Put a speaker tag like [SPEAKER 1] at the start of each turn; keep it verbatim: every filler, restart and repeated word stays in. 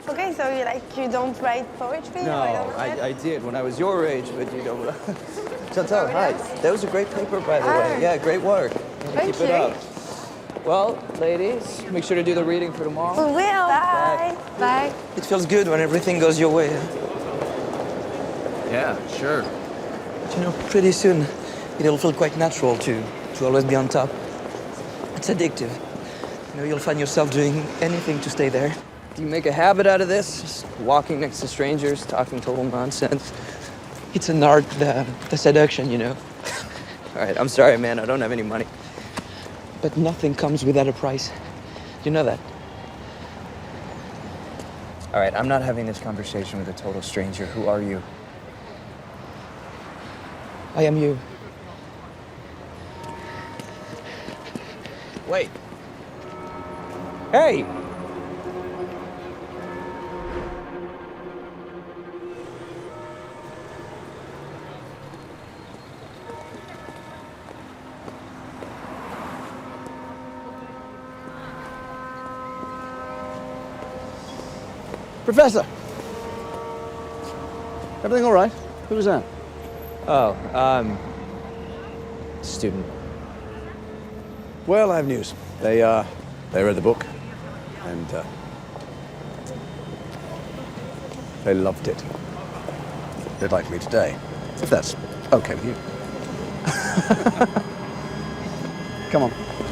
[SPEAKER 1] Okay, so you like you don't write poetry?
[SPEAKER 2] No,
[SPEAKER 1] or you don't
[SPEAKER 2] I,
[SPEAKER 1] write?
[SPEAKER 2] I did when I was your age, but you don't. Chantal, hi. That was a great paper, by the way.
[SPEAKER 1] Ah.
[SPEAKER 2] Yeah, great work.
[SPEAKER 1] Thank
[SPEAKER 2] Keep it
[SPEAKER 1] you.
[SPEAKER 2] up. Well, ladies, make sure to do the reading for tomorrow.
[SPEAKER 1] We will. Bye. Bye.
[SPEAKER 2] It feels good when everything goes your way.
[SPEAKER 3] Yeah, sure.
[SPEAKER 2] But you know, pretty soon, it'll feel quite natural to, to always be on top. It's addictive. You know, you'll find yourself doing anything to stay there. Do you make a habit out of this? Just walking next to strangers, talking total nonsense. It's an art, the, the seduction, you know. All right, I'm sorry, man. I don't have any money. But nothing comes without a price. You know that. All right, I'm not having this conversation with a total stranger. Who are you? I am you. Wait. Hey!
[SPEAKER 3] Professor! Everything all right? Who was that?
[SPEAKER 2] Oh, um... student.
[SPEAKER 3] Well, I have news. They, uh, they read the book, and, uh, they loved it. They'd like me today, if that's okay with you. Come on.